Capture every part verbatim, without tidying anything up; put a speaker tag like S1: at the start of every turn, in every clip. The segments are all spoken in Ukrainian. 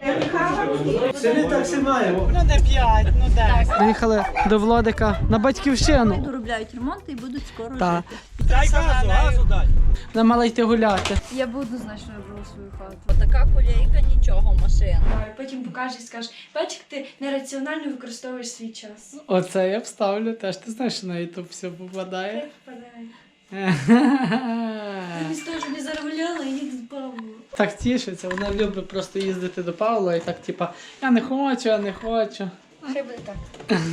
S1: Це так все маємо.
S2: Ну не п'ять, ну десять. Приїхали до Владика на батьківщину.
S3: Доробляють ремонт і будуть скоро
S2: Так.
S3: жити.
S1: Дай газу, газу дай.
S2: Вона мала йти гуляти.
S3: Я б однозначно вибрала свою хату. Отака кулейка, нічого, машина.
S4: Потім покажеш і скажеш, бач, як ти нераціонально використовуєш свій час.
S2: Оце я вставлю теж. Ти знаєш, що на ютуб все попадає.
S4: Впадає. Мені теж не заробляла і їх збавила.
S2: Так тішиться, вона любить просто їздити до Павла і так, типа, я не хочу, я не хочу.
S4: Хай буде так.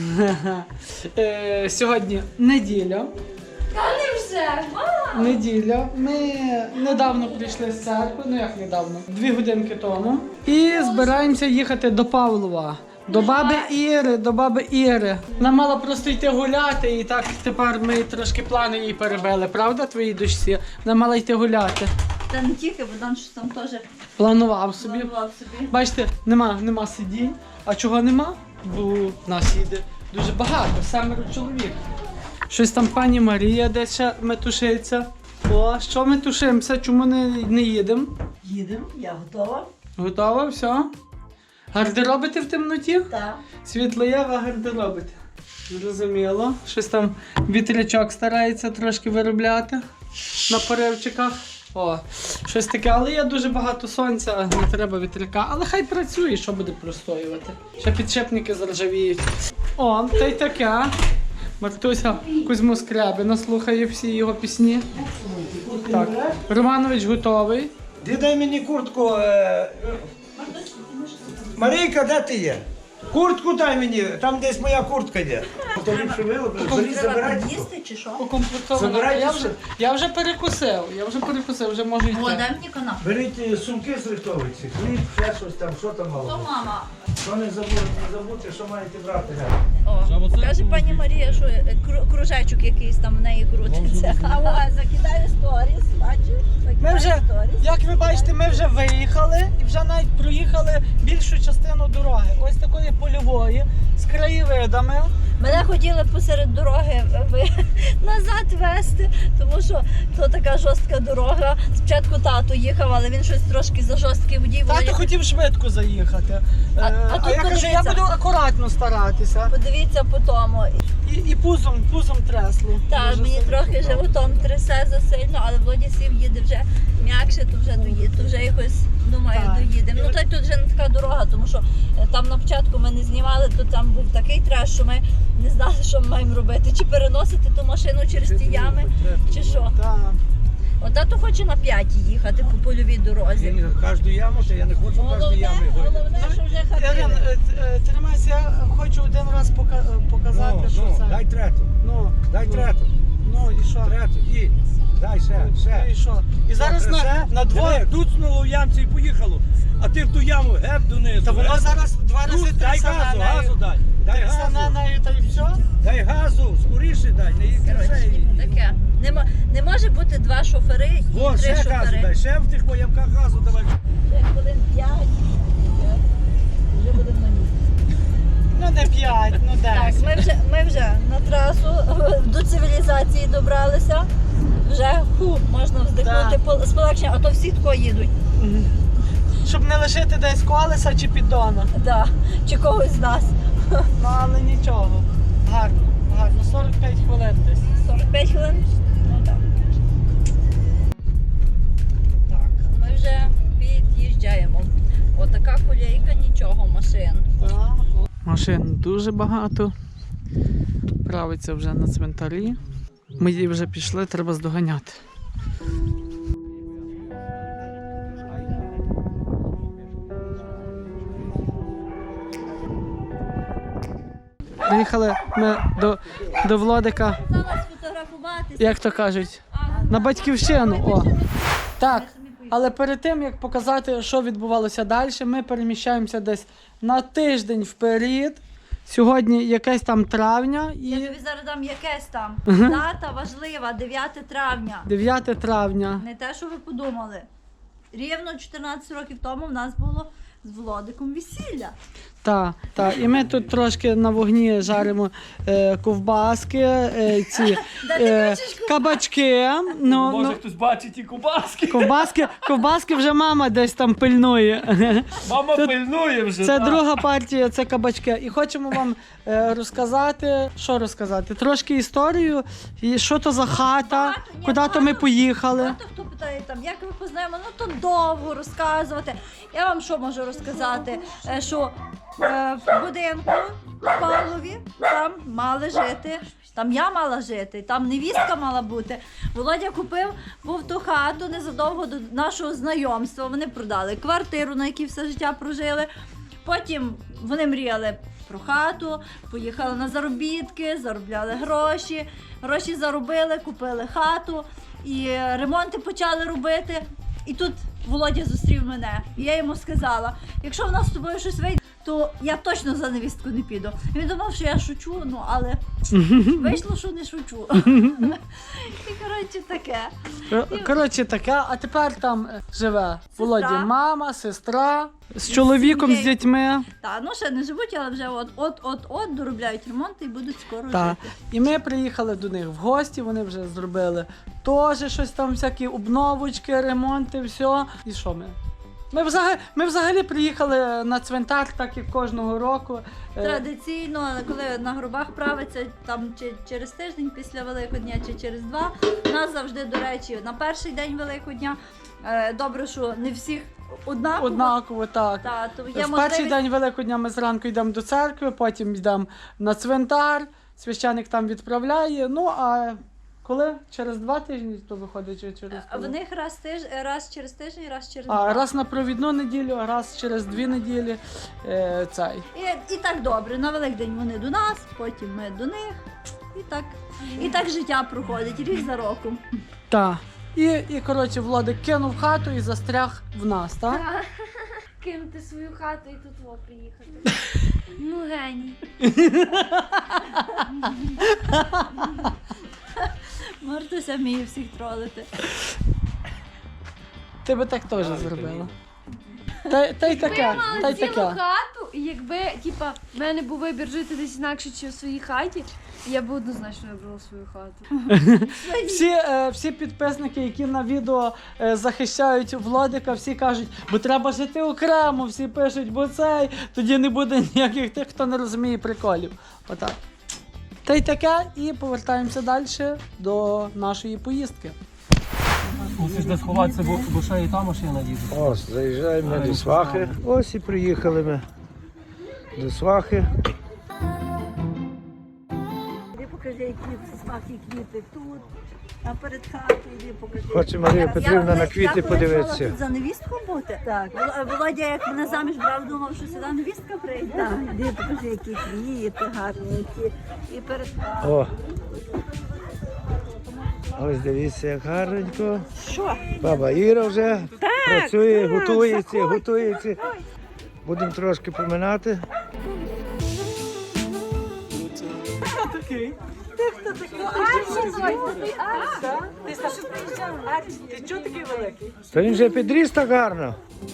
S2: Е, Сьогодні неділя.
S4: Та не вже, мама!
S2: Неділя. Ми недавно прийшли з церкви, ну як недавно, дві годинки тому. І збираємося їхати до Павлова. До баби Іри, до баби Іри. Вона мала просто йти гуляти, і так тепер ми трошки плани їй перебили, правда, твоїй дочці? Вона мала йти гуляти.
S3: Та не тільки, бо там щось там теж
S2: Планував собі.
S3: планував собі.
S2: Бачите, нема, нема сидінь. А чого нема? Бо в нас їде дуже багато, семеро чоловік. Щось там пані Марія десь ще метушиться. О, що ми тушимося? Чому не, не їдемо?
S5: Їдемо, я готова.
S2: Готова, все? Гардеробите в темноті?
S5: Так.
S2: Світло є, ви гардеробите. Зрозуміло. Щось там вітрячок старається трошки виробляти на поривчиках. О, щось таке, але є дуже багато сонця, не треба вітряка. Але хай працює, що буде простоювати. Ще підшипники заржавіють. О, та й таке. Мартуся Кузьму Скрябіна слухає всі його пісні. Так, Романович готовий.
S1: Ти дай мені куртку. Е... Марійка, де ти є? Куртку дай мені, там десь моя куртка є. То ліпше виловили, заліз
S3: Треба
S1: забирайте.
S3: під'їсти чи що?
S2: Укомплектовано.
S1: Забирайте
S2: Я
S1: все.
S2: вже, я вже перекусив, я вже перекусив, вже можу йти.
S3: О, дай мені канапу.
S1: Беріть е, сумки з литовиці, хліб, ще щось там, що там
S3: То
S1: мало.
S3: мама.
S1: Що не забудьте, не забудьте, що маєте брати.
S3: О, каже пані Марія, що е, кру- кружечок якийсь там в неї крутиться. А ось закидаю сторіс, бачиш?
S2: Ми
S3: Закидаю
S2: вже,
S3: сторіс.
S2: як ви бачите, ми вже виїхали і вже навіть проїхали більшу частину дороги. Ось такої польової, з краєвидами.
S3: Мене хотіли посеред дороги ви- назад вести, тому що то така жорстка дорога. Спочатку тато їхав, але він щось трошки за жорсткий водій.
S2: Тато
S3: Володя,
S2: хотів швидко заїхати.
S3: А-
S2: Е,
S3: а тут
S2: я кажу, я
S3: подивіться.
S2: буду акуратно старатися.
S3: Подивіться по тому.
S2: І, і пузом, пузом тресло.
S3: Так,
S2: Дуже
S3: мені
S2: сильно.
S3: трохи животом трясе засильно, але Володя сів їде вже м'якше, то вже доїде, то вже якось, думаю,
S2: Так.
S3: доїдемо. Ну, та й тут вже не така дорога, тому що е, там на початку ми не знімали, то там був такий треш, що ми не знали, що ми маємо робити. Чи переносити ту машину через ті ями, чи що.
S2: Так.
S3: От тато хоче на п'ятій їхати по польовій дорозі.
S1: Кожну яму, то я не хочу кожну
S3: Головне,
S1: яму.
S3: головне, що вже
S2: Ірин,
S3: хатили.
S2: е, е, тримайся, я хочу один раз пока- е, показати,
S1: Ну,
S2: що
S1: ну,
S2: це.
S1: дай трету,
S2: Ну,
S1: дай
S2: ну,
S1: трету,
S2: Ну і що?
S1: трету, і дай ще,
S2: Ну,
S1: ще.
S2: і що? І зараз на, на двоє.
S1: Туцнуло в ямці і поїхало, а ти в ту яму геп донизу.
S2: Та воно
S1: геп.
S2: зараз два рази
S1: Тут, дай
S2: трясе
S1: газу,
S2: на
S1: газу
S2: нею.
S1: дай, дай
S2: Трясе на
S1: газу,
S2: нею та й все.
S1: дай газу, скоріше дай, не їздь
S3: Коротше, таке. Не, мо- не може бути два шофери і
S1: О,
S3: три
S1: ще газу
S3: шофери.
S1: дай, ще в тих воямках газу давай.
S3: Ще хвилин п'ять. Вже будемо на місці.
S2: Ну не п'ять, ну
S3: Так,
S2: десять.
S3: ми вже, ми вже на трасу до цивілізації добралися. Вже ху, можна вздихнути
S2: Да.
S3: пол- з полегшенням, а то всі тако їдуть.
S2: Щоб не лишити десь колеса чи піддона.
S3: Да. Чи когось з нас.
S2: Ну але нічого. Гарно, гарно. сорок п'ять хвилин десь.
S3: сорок п'ять хвилин? Ну так. Так, ми вже під'їжджаємо. Отака колійка, нічого, машин.
S2: Так. Машин дуже багато. Правиться вже на цвинтарі. Ми її вже пішли, треба здоганяти. Приїхали ми до, до Владика,
S3: Зараз фотографуватися.
S2: як то кажуть, на батьківщину. О. Так, але перед тим, як показати, що відбувалося далі, ми переміщаємося десь на тиждень вперед. Сьогодні якесь там травня
S3: Я
S2: і
S3: тобі зараз дам якесь там. Дата важлива, дев'яте травня.
S2: дев'яте травня.
S3: Не те, що ви подумали. Рівно чотирнадцять років тому в нас було з Володиком весілля.
S2: Так, так. І ми тут трошки на вогні жаримо е, ковбаски, е, ці е, кабачки. Ну,
S6: Може
S2: ну,
S6: хтось бачить і кубаски.
S2: ковбаски, ковбаски вже мама десь там пильнує.
S6: Мама
S2: Тут
S6: пильнує вже.
S2: Це
S6: так.
S2: друга партія, це кабачки. І хочемо вам е, розказати, що розказати? Трошки історію, і що то за хата,
S3: Багато, ні,
S2: куди то
S3: багато.
S2: ми поїхали.
S3: Багато хто питає, там, як ви познаємо, ну то довго розказувати. Я вам що можу розказати? Е, Що е, в будинку в Павлові там мали жити, там я мала жити, там невістка мала бути. Володя купив був ту хату незадовго до нашого знайомства. Вони продали квартиру, на якій все життя прожили. Потім вони мріяли про хату, поїхали на заробітки, заробляли гроші. Гроші заробили, купили хату і ремонти почали робити. І тут Володя зустрів мене. І я йому сказала, якщо в нас з тобою щось вийде, то я точно за невістку не піду. І він думав, що я шучу, ну але вийшло, що не шучу. І коротше таке.
S2: Кор- Коротше таке, а тепер там е, живе Володі
S3: Сестра.
S2: мама, сестра, з чоловіком, з
S3: сім'єю.
S2: дітьми.
S3: Та, ну ще не живуть, але вже от-от-от доробляють ремонт і будуть скоро
S2: Та.
S3: жити.
S2: І ми приїхали до них в гості, вони вже зробили теж щось там, всякі обновочки, ремонти, все. І що ми? Ми взагалі, ми взагалі приїхали на цвинтар, так як кожного року. Е,
S3: Традиційно, коли на гробах правиться там чи через тиждень після Великодня, чи через два, у нас завжди, до речі, на перший день Великодня. е, Добре, що не всіх однаково.
S2: Однаково, так.
S3: Та, то є
S2: В перший
S3: можливість-
S2: день Великодня ми зранку йдемо до церкви, потім йдемо на цвинтар, священик там відправляє. Ну а коли? Через два тижні то виходить чи через
S3: А
S2: коли?
S3: в них раз тиж... раз через тиждень, раз через
S2: А
S3: два.
S2: раз на провідну неділю, раз через дві неділі е, цей.
S3: І, і так добре. На Великдень вони до нас, потім ми до них. І так, і так життя проходить, рік за роком.
S2: Так. І, і коротше, Владик кинув хату і застряг в нас, так?
S4: Кинути свою хату і тут во приїхати. Ну, геній.
S3: Мартуся вміє всіх тролити.
S2: Ти би так теж зробила. Та, та й таке,
S4: Я
S2: та
S4: мала
S2: й
S4: цілу
S2: таке.
S4: хату, і якби, типа, в мене був вибір жити десь інакше, чи в своїй хаті, я б однозначно вибрала свою хату.
S2: Всі, е, всі підписники, які на відео е, захищають Владика, всі кажуть, бо треба жити окремо, всі пишуть, бо цей, тоді не буде ніяких тих, хто не розуміє приколів. Отак. Та й таке, і повертаємося далі до нашої поїздки.
S6: Мусиш де сховатися, бо, бо ще і та машина їде.
S1: Ось, заїжджаємо ми до свахи. Ось і приїхали ми до свахи.
S5: Іди покажи, які смаки квіти тут, а перед хатою іди покажи.
S1: Хоче Марія Петрівна на
S3: Я
S1: квіти
S3: коли йшла
S1: подивитися.
S3: тут за невістку бути. Так. Вол- Володя, як мене заміж брав, думав, що сюди невістка прийде.
S5: Так, іди покажи, які квіти гарні, які.
S3: І перед хатою.
S1: О! Ось дивіться, як гарненько.
S5: Що?
S1: Баба Іра вже працює, готується, готується. Будемо трошки поминати.
S2: Ти чого такий великий?
S1: Та він вже підріс так гарно.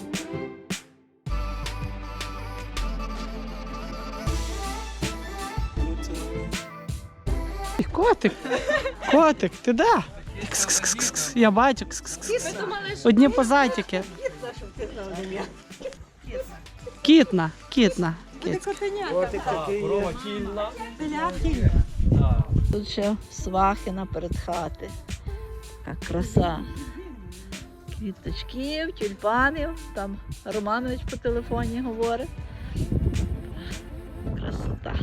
S2: Котик, котик, ти де? Кс-кс-кс-кс. Я бачу. Кс-кс-кс. Одні позатики. Кітна, кітна. Кіт.
S6: Корова кільна.
S3: Тут ще свахи наперед хати. Така краса. Квіточків, тюльпанів. Там Романович по телефоні говорить. Красота.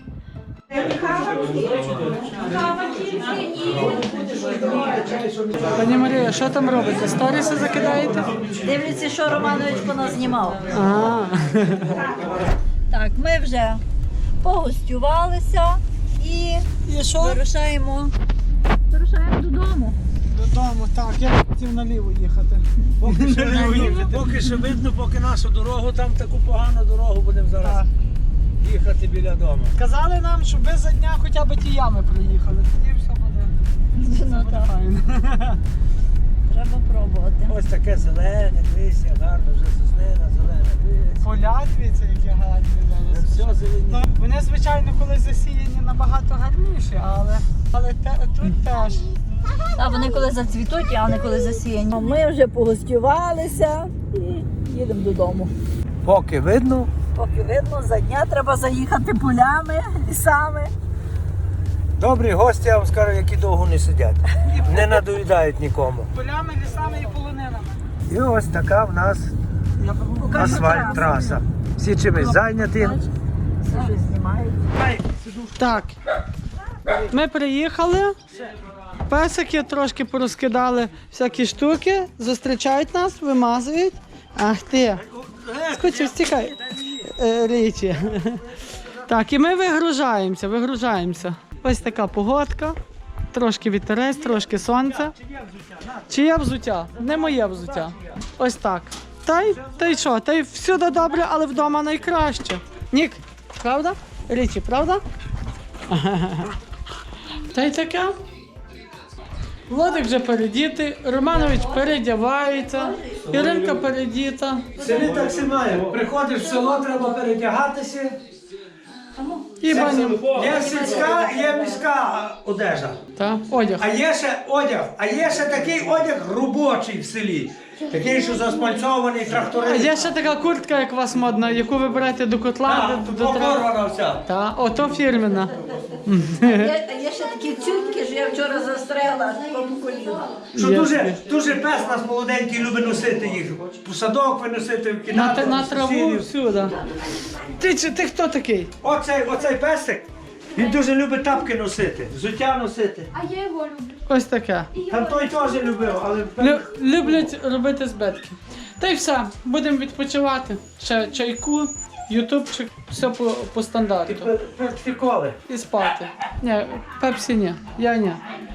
S2: Пані Марія, що там робите? Сторіси закидаєте?
S3: Дивлюся, що Романович по нас знімав.
S2: А,
S3: Так, ми вже погостювалися і
S2: і що?
S3: вирушаємо, вирушаємо додому.
S2: Додому, так, я хотів наліво їхати.
S1: Поки що, поки що видно, поки нашу дорогу, там таку погану дорогу будемо зараз їхати біля дому.
S2: Казали нам, щоб ви за дня хоча б ті ями проїхали. Тоді все буде,
S3: Ну,
S2: буде
S3: так.
S2: файно.
S3: Треба пробувати.
S1: Ось таке зелене, дивись, як гарно, вже соснина зелена, дивись.
S2: Поля, дивіться, які гарні зараз.
S1: Все зелені.
S2: Ну, вони, звичайно, коли засіяні набагато гарніші, але, але те, тут теж.
S3: А вони коли зацвітуть, а не коли засіяні.
S5: Ми вже погостювалися і їдемо додому.
S1: Поки видно,
S5: Поки видно, за дня треба заїхати полями, лісами.
S1: добрі гості, я вам скажу, які довго не сидять. Не надоїдають нікому.
S2: Полями, лісами і полонинами.
S1: І ось така в нас асфальт траса. Всі чимось зайняті.
S5: Все щось знімають.
S2: Так, ми приїхали, песики трошки порозкидали всякі штуки, зустрічають нас, вимазують. Ах ти, скочив, стікай, е, річі. Так, і ми вигружаємося, вигружаємося. Ось така погодка, трошки вітерець, трошки сонце. Чиє взуття? Не моє взуття. Ось так. Та й, та й що, та й всюди добре, але вдома найкраще. Нік, правда? Річі, правда? Та й таке. Владик вже передітий, Романович передівається, Іринка передіта.
S1: В селі так все маємо. Приходиш в село, треба передягатися.
S2: І баня.
S1: Є сільська, є міська одежа.
S2: Та, одяг.
S1: А є ще одяг, а є ще такий одяг робочий в селі. Такий, що заспальцований
S2: А
S1: тракторист.
S2: є ще така куртка, як у вас модна, яку ви берете до котла,
S1: Так,
S2: до, до трак-
S1: покорвана вся.
S2: Та, ото фірмена.
S5: Є, є ще такі цютки, що я вчора застрела по коліна.
S1: Що
S2: Є.
S1: дуже, дуже пес нас молоденький любить носити їх. По садок виносити,
S2: На,
S1: кидати.
S2: та- на
S1: в
S2: траву
S1: сусідів.
S2: всюди. Ти, чи- ти хто такий?
S1: Оцей, оцей песик, він дуже любить тапки носити, взуття носити.
S4: А я його люблю.
S2: Ось таке.
S1: Там той теж любив, але
S2: Лю- люблять робити збитки. Та й все, будемо відпочивати. Ще чайку, ютубчик, все по, по стандарту.
S1: приколи.
S2: І спати. Ні, пепсі ні, я ні.